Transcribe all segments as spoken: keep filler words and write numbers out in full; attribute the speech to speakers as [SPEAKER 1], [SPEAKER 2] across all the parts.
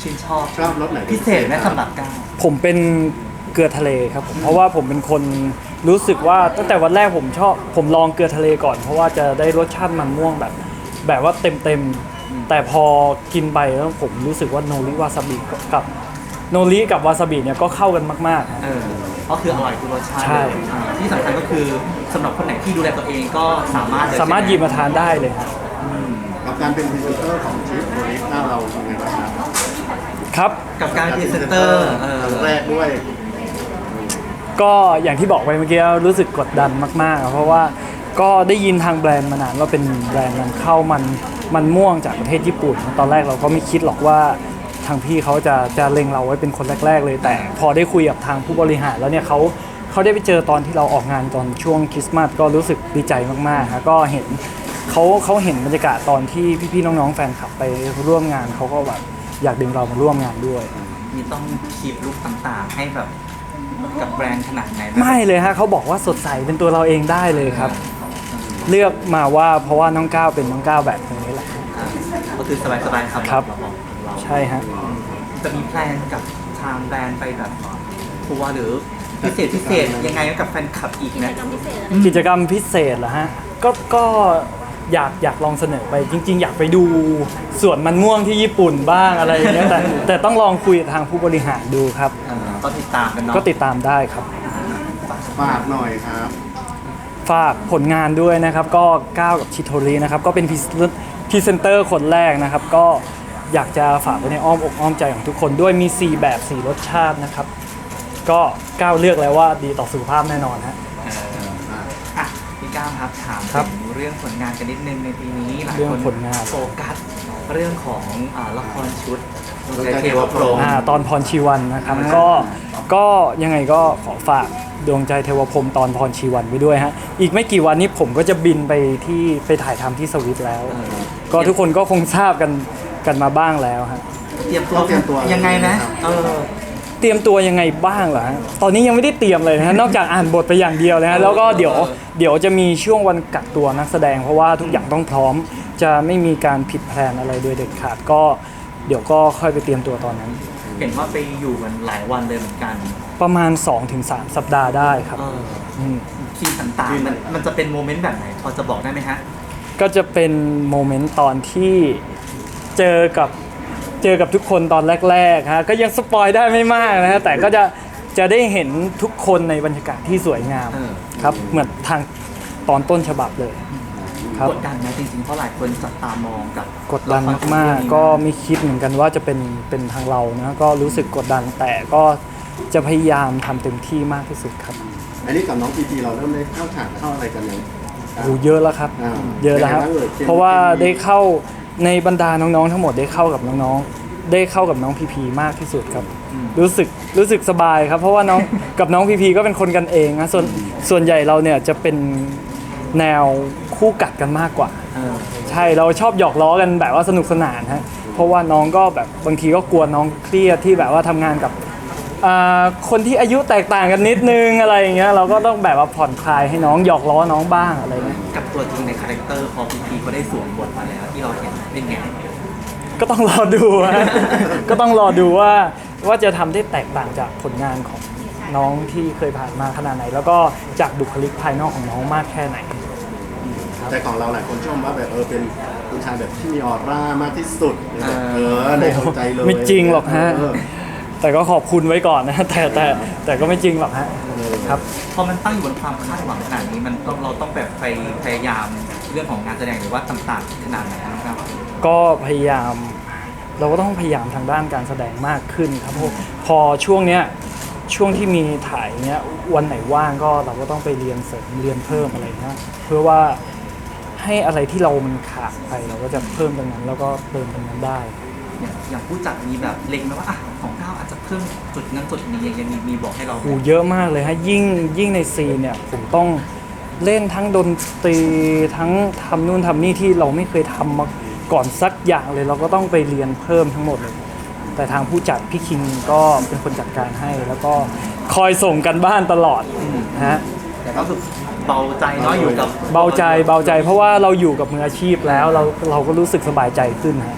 [SPEAKER 1] ชื่นชอบ
[SPEAKER 2] ชอบรสไหน
[SPEAKER 1] พิเศษไหมสำหรับก้าว
[SPEAKER 3] ผมเป็นเกลือทะเลครับผมเพราะว่าผมเป็นคนรู้สึกว่าตั้งแต่วันแรกผมชอบผมลองเกลือทะเลก่อนเพราะว่าจะได้รสชาติมันม่วงแบบ แบบว่าเต็มเต็มๆแต่พอกินไปแล้วผมรู้สึกว่าโนริวาซาบิกับโนริกับวาซาบิเนี่ยก็เข้ากันมากๆ
[SPEAKER 1] เออก็คืออร่อยทุกรสชาติ
[SPEAKER 3] ใช่
[SPEAKER 1] อ่าที่สำคัญก็คือสำหรับคนไหนที่ดูแลตัวเองก็สามารถเลย
[SPEAKER 3] สามารถหยิบมาทานได้เลยครับ
[SPEAKER 2] กับการเป็นพรีเซนเตอร์ของชิปโรลิสหน้าเราเป็นไงบ้างครับ
[SPEAKER 3] ครับ
[SPEAKER 1] กับการพรีเซนเตอร์เออ
[SPEAKER 2] ครั้งแรกด้วย
[SPEAKER 3] ก็อย่างที่บอกไปเมื่อกี้รู้สึกกดดันมากๆ เพราะว่าก็ได้ยินทางแบรนด์มานานว่าเป็นแบรนด์นำเข้ามันมันม่วงจากประเทศญี่ปุ่น ตอนแรกเราก็ไม่คิดหรอกว่าทางพี่เขาจะจะเล็งเราไว้เป็นคนแรก ๆ เลย แต่พอได้คุยกับทางผู้บริหารแล้วเนี่ยเขาเขาได้ไปเจอตอนที่เราออกงานตอนช่วงคริสต์มาสก็รู้สึกดีใจมากๆครับก็เห็นเขาเขาเห็นบรรยากาศตอนที่พี่ๆน้องๆแฟนคลับไปร่วมงานเขาก็แบบอยากดึงเรามาร่วมงานด้วย
[SPEAKER 1] มีต้องคีบลุคต่างๆ ให้แบบกับแบรนด์ขนาดไหนนะ
[SPEAKER 3] ไม่เลยฮะเขาบอกว่าสดใสเป็นตัวเราเองได้เลยครับ เลือกมาว่าเพราะว่าน้องก้าวเป็นน้องก้าวแบบนี้แหละ
[SPEAKER 1] อ่าก็คือสบายๆครับ
[SPEAKER 3] ครับ
[SPEAKER 1] เราบอกของเรา
[SPEAKER 3] ใช่ฮะ
[SPEAKER 1] จะมีแพลนกับทางแบรนด์ไปแบบทัวร์หรือพิเศษพิเศษยังไงกับแฟนคลับอีกไหม
[SPEAKER 3] กิจกรรมพิเศษเหรอฮะก็ก็อยากอยากลองเสนอไปจริง ๆ อยากไปดูสวนมันม่วงที่ญี่ปุ่นบ้างอะไรอย่างเงี้ยแต่แต่ต้องลองคุยกับทางผู้บริหารดูครับ
[SPEAKER 1] เออก็ติดตามกันเนาะ
[SPEAKER 3] ก็ติดตามได้ครับ
[SPEAKER 2] ฝากหน่อยครับ
[SPEAKER 3] ฝากผลงานด้วยนะครับ ก็ก้าวกับชิโทรินะครับ ก็เป็นพรีเซนเตอร์คนแรกนะครับ ก็อยากจะฝากไว้ในอ้อมอกอ้อมใจของทุกคนด้วยมี สี่ แบบ สี่ รสชาตินะครับ ก็ก้าวเลือกแล้วว่าดีต่อสุขภาพแน่นอนฮะ
[SPEAKER 1] เอออ่ะพี่ก้าวครับถาม
[SPEAKER 3] ครับ
[SPEAKER 1] ถึงเรื่องผลงานกันนิดนึงในปีนี้หลาย
[SPEAKER 3] เรื่อ
[SPEAKER 1] ค
[SPEAKER 3] ง
[SPEAKER 1] น
[SPEAKER 3] ผลงาน
[SPEAKER 1] โฟกัสเรื่องของอ่าละครชุด
[SPEAKER 2] ดวงใจเทวพรหม
[SPEAKER 3] อ่าตอนพรชีวันนะครับก็ก็ยังไงก็ขอฝากดวงใจเทวพรหมตอนพรชีวันไว้ด้วยฮะอีกไม่กี่วันนี้ผมก็จะบินไปที่ไปถ่ายทำที่สวิตแล้ว
[SPEAKER 1] เออ
[SPEAKER 3] ก็ทุกคนก็คงทราบกันกันมาบ้างแล้วฮะ
[SPEAKER 1] เตรียมตัว
[SPEAKER 2] ต้องเตรียมตัว
[SPEAKER 1] ยังไงนะเออ
[SPEAKER 3] เตรียมตัวยังไงบ้างเหรอฮะตอนนี้ยังไม่ได้เตรียมเลยนะฮะนอกจากอ่านบทไปอย่างเดียวนะฮะแล้วก็เดี๋ยวเดี๋ยวจะมีช่วงวันกักตัวนักแสดง เพราะว่าทุกอย่างต้องพร้อม จะไม่มีการผิดแผนอะไรโดยเด็ดขาดก็เดี๋ยวก็ค่อยไปเตรียมตัวตอนนั้น
[SPEAKER 1] เห็นว่าไปอยู่กันหลายวันเลยเหมือนกัน
[SPEAKER 3] ประมาณ สองถึงสาม สัปดาห์ได้ครับ
[SPEAKER 1] เออ
[SPEAKER 3] ม
[SPEAKER 1] ซีนต่างๆมันมันจะเป็นโมเมนต์แบบไหนพอจะบอกได้ไหมฮะ
[SPEAKER 3] ก็จะเป็นโมเมนต์ตอนที่เจอกับเจอกับทุกคนตอนแรกๆฮะก็ยังสปอยได้ไม่มากนะฮะแต่ก็จะจะได้เห็นทุกคนในบรรยากาศที่สวยงาม
[SPEAKER 1] เออ
[SPEAKER 3] ครับเหมือนทางตอนต้นฉบับเลยครับ
[SPEAKER 1] กดดันไหมจริงๆเพราะหลายคนจับตามองกับ
[SPEAKER 3] กดดันมากๆก็ไม่คิดเหมือนกันว่าจะเป็นเป็นทางเรานะก็รู้สึกกดดันแต่ก็จะพยายามทำเต็มที่มากที่สุดครับ
[SPEAKER 2] อันนี้กับน้องพีพีเราเริ่มได้เข้าฉากเข้าอะไรกันยัง
[SPEAKER 3] โอ้เยอะแล้วครับ
[SPEAKER 2] อ่า
[SPEAKER 3] เยอะแล้วครับ
[SPEAKER 2] เป็นไงบ้างเอ่ยเช่น
[SPEAKER 3] เพราะว่าได้เข้าในบรรดาน้องๆทั้งหมดได้เข้ากับน้องๆได้เข้ากับน้องพีพีมากที่สุดครับ รู้สึกรู้สึกสบายครับ เพราะว่าน้อง กับน้องพีพีก็เป็นคนกันเองนะส่วนส่วนใหญ่เราเนี่ยจะเป็นแนวคู่กัดกันมากกว่า
[SPEAKER 1] เออ
[SPEAKER 3] ใช่เราชอบหยอกล้อกันแบบว่าสนุกสนานฮะเพราะว่าน้องก็แบบบางทีก็กลัวน้องเครียดที่แบบว่าทำงานกับอ่าคนที่อายุแตกต่างกันนิดนึงอะไรอย่างเงี้ยเราก็ต้องแบบว่าผ่อนคลายให้น้องหยอกล้อน้องบ้างอะไรเงี้ย
[SPEAKER 1] กับตัวจริงในคาแรคเตอร์พอพีพีก็ได้สวมบทมาแล้วที่เราเห็นเป็นไง
[SPEAKER 3] ก็ต้องรอดูฮะ ก็ต้องรอดูว่าว่าจะทำได้แตกต่างจากผลงานของน้องที่เคยผ่านมาขนาดไหน แล้วก็จากบุคลิกภายนอกของน้องมากแค่ไหน
[SPEAKER 2] แต่ของเราหลายคนชมว่าแบบเออเป็นผู้ชายแบบที่มีออร่ามากที่สุดในแบบเออในหัวใจเลย
[SPEAKER 3] ไม่จริงหรอกฮะ
[SPEAKER 2] เออ
[SPEAKER 3] แต่ก็ขอบคุณไว้ก่อนนะ แต่แต่แต่ก็ไม่จริงหรอกฮะครับ
[SPEAKER 1] พอมันตั้งอยู่บนความคาดหวังขนาดนี้มันต้องเราต้องแบบไปพยายามเรื่องของงานแสดงหรือว่าต่างๆขนาดไหนนะครับ
[SPEAKER 3] ก็พยายามเราก็ต้องพยายามทางด้านการแสดงมากขึ้นครับเพราะพอช่วงเนี้ยช่วงที่มีถ่ายเนี้ยวันไหนว่างก็เราก็ต้องไปเรียนเสริมเรียนเพิ่มอะไรเงี้ยเพื่อว่าให้อะไรที่เรามันขาดไปเราก็จะเพิ่มตรงนั้นแล้วก็เติมตรงนั้นได้
[SPEAKER 1] อย่างอย่างผู้จัดมีแบบเล็งไหมว่าอ่ะของก้าวอาจจะเพิ่มจุดนั้นจุดนี้ยังมีมีบอกให้เราไหม
[SPEAKER 3] โอ้เยอะมากเลยฮะยิ่งยิ่งในซีนเนี่ยผมต้องเล่นทั้งดนตรีทั้งทำนู่นทำนี่ที่เราไม่เคยทำมาก่อนสักอย่างเลยเราก็ต้องไปเรียนเพิ่มทั้งหมดเลย แต่ทางผู้จัดพี่คิงก็เป็นคนจัดการให้ แล้วก็คอยส่งกันบ้านตลอดนะฮะ
[SPEAKER 1] แต่ก็รู้สึกเบาใจเนาะอยู่กับ
[SPEAKER 3] เบาใจเบาใจเพราะว่าเราอยู่กับมืออาชีพแล้วเราเราก็รู้สึกสบายใจขึ้นฮะ
[SPEAKER 1] อ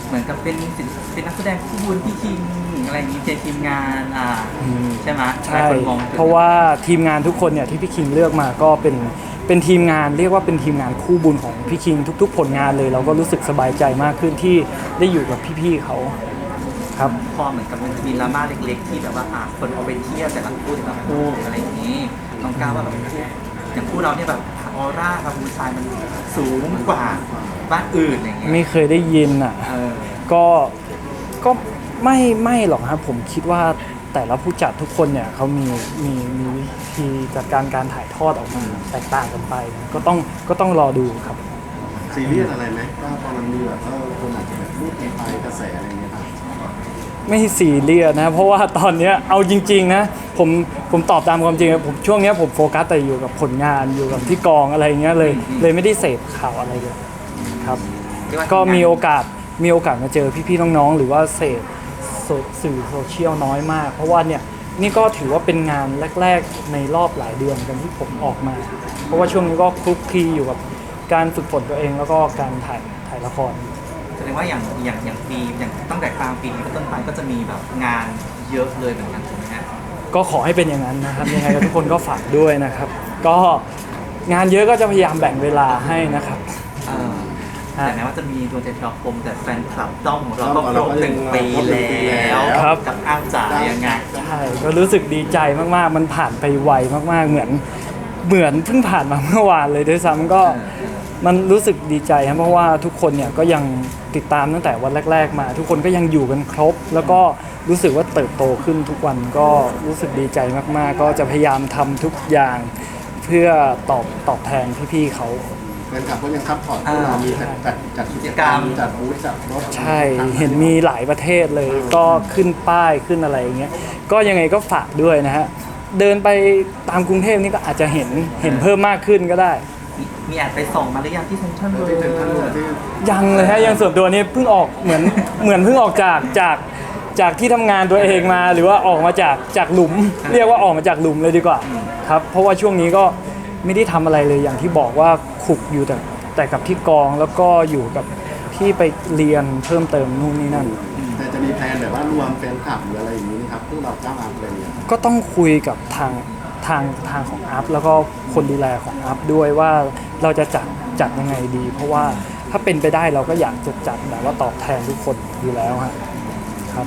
[SPEAKER 1] เหมือนกับเป็นศิลป์เป็นนักแสดงคู่บุญพี่คิงอะไรอย่างนี้เจทีมงานอ่าใช่ไหมหลา
[SPEAKER 3] ใช่
[SPEAKER 1] ยคนมอง
[SPEAKER 3] เพราะว่าทีมงานทุกคนเนี่ยที่พี่คิงเลือกมาก็เป็นเป็นทีมงานเรียกว่าเป็นทีมงานคู่บุญของพี่คิงทุก ๆ ผลงานเลย เราก็รู้สึกสบายใจมากขึ้นที่ได้อยู่กับพี่ๆเขาครับ
[SPEAKER 1] พอเหมือนกับมันจะมีดราม่าเล็กๆ ที่แบบว่าอ่ะคนเอาไปเที่ยวแต่ละคู่แต่ละคู่อะไรอย่างนี้น้องก้าวว่าแบบคู่อย่างคู่เราเนี่ยแบบออร่ากับผู้ชายมันสูงกว่าบ้านอื่นอย่างเงี้ย
[SPEAKER 3] ไม่เคยได้ยินอ่ะ
[SPEAKER 1] เออ
[SPEAKER 3] ก็ก็ไม่ไม่หรอกครับผมคิดว่าแต่ละผู้จัดทุกคนเนี่ยเขามีมีมีวิธีจัดการการถ่ายทอดออกมาแตกต่างกันไป ก็ต้องก็ต้องรอดูครับ
[SPEAKER 2] ซีเรียสอะไรไหมว่าตอนมันมีแบบเออคนอาจจะแบบรูดไปกระแสอะไรอย่างเงี้ยครับ
[SPEAKER 3] ไม่ซีเรียสนะ เพราะว่าตอนเนี้ยเอาจริงๆนะผมผมตอบตามความจริงนะผมช่วงเนี้ยผมโฟกัสแต่อยู่กับผลงานอยู่กับที่กองอะไรเงี้ยเลยเลยไม่ได้เสพข่าวอะไรเลยครับ
[SPEAKER 1] เรียว่า
[SPEAKER 3] ก็มีโอกาสมีโอกาสมาเจอพี่ๆน้องๆหรือว่าเสพโซสื่อโซเชียลน้อยมาก เพราะว่าเนี่ยนี่ก็ถือว่าเป็นงานแรกๆในรอบหลายเดือนกันที่ผมออกมา เพราะว่าช่วงนี้ก็คลุกคลีอยู่กับการฝึกฝนตัวเองแล้วก็การถ่ายถ่ายละคร
[SPEAKER 1] แสดงว่าอย่างอย่างอย่างปีอย่างตั้งแต่กลางปีนี้เป็นต้นไปก็จะมีแบบงานเยอะเลยเหมือนกันถูกไหมฮะ
[SPEAKER 3] ก็ขอให้เป็นอย่างนั้นนะครับ ยังไงก็ทุกคนก็ฝากด้วยนะครับ ก็งานเยอะก็จะพยายามแบ่งเวลาให้นะครับ
[SPEAKER 1] เออ
[SPEAKER 3] ฮะ
[SPEAKER 1] แต่แม้ว่าจะมีดวงใจทรคมแต่แฟนคลับด้อมของเรา
[SPEAKER 2] ด้
[SPEAKER 1] ก็
[SPEAKER 2] อมของ
[SPEAKER 1] คร
[SPEAKER 2] เรา
[SPEAKER 1] บ
[SPEAKER 2] ก็
[SPEAKER 1] หนึ่ง
[SPEAKER 2] ยัง
[SPEAKER 1] ปี
[SPEAKER 2] ครบหนึ่งปี
[SPEAKER 1] แล้
[SPEAKER 2] แล้ว ว
[SPEAKER 3] ครับ
[SPEAKER 1] กับอ้าวจ๋ายังไง
[SPEAKER 3] ใช่ก็รู้สึกดีใจมากๆ มันผ่านไปไวมากๆ เหมือนเหมือนเพิ่งผ่านมาเมื่อวานเลยด้วยซ้ำก็
[SPEAKER 1] เออ
[SPEAKER 3] มันรู้สึกดีใจครับเพราะว่าทุกคนเนี่ยก็ยังติดตามตั้งแต่วันแรก ๆ มา ทุกคนก็ยังอยู่กันครบ แล้วก็รู้สึกว่าเติบโตขึ้นทุกวันก็รู้สึกดีใจมากๆ ก็จะพยายามทำทุกอย่างเพื่อตอบตอบแทนพี่ๆเขา
[SPEAKER 2] แฟนคลับก็ยังซัพพอร์ตพวกเรามีจัดจัดจัดกิจกรรมจัดบูธจัดรถ
[SPEAKER 3] ใช่เห็นมีหลายประเทศเลยก็ขึ้นป้ายขึ้นอะไรอย่างเงี้ยก็ยังไงก็ฝากด้วยนะฮะเดินไปตามกรุงเทพนี่ก็อาจจะเห็นเห็นเพิ่มมากขึ้นก็ได้
[SPEAKER 1] มีมีแอบไปส่องมาหรือยังที่เซ็นทรัล
[SPEAKER 2] เอ
[SPEAKER 1] เวิ
[SPEAKER 2] อ
[SPEAKER 1] ล
[SPEAKER 2] ที่เป็นทั้งหมด
[SPEAKER 1] ด์
[SPEAKER 2] ที่
[SPEAKER 3] ยังเลยฮะยังส่วนตัวนี่เพิ่งออกเหมือนเหมือนเพิ่งออกจากจากจากที่ทำงานตัวเองมา หรือว่าออกมาจากจากหลุม เรียกว่าออกมาจากหลุมเลยดีกว่าครับเพราะว่าช่วงนี้ก็ไม่ได้ทำอะไรเลยอย่างที่บอกว่าขุกอยู่แต่แต่กับที่กองแล้วก็อยู่กับที่ไปเรียนเพิ่มเติมนู่นนี่นั่น
[SPEAKER 2] แต่จะมีแพลนแบบว่ารวมแฟนคลับหรืออะไรอย่างนี้นะครับพวกเราก้าวอาร์อะไรอย่างเงี้ย
[SPEAKER 3] ก็ต้องคุยกับทางทางทางของอัพแล้วก็คนดูแลของอัพด้วยว่าเราจะจัดจัดยังไงดี เพราะว่าถ้าเป็นไปได้เราก็อยากจะจัดแบบว่าตอบแทนทุกคนอยู่แล้วฮะครับ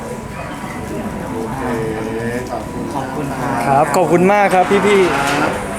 [SPEAKER 2] โอเคขอบคุณ
[SPEAKER 1] ขอบคุณครับ
[SPEAKER 3] ครับขอบคุณมากครับพี่ๆ
[SPEAKER 2] ครับ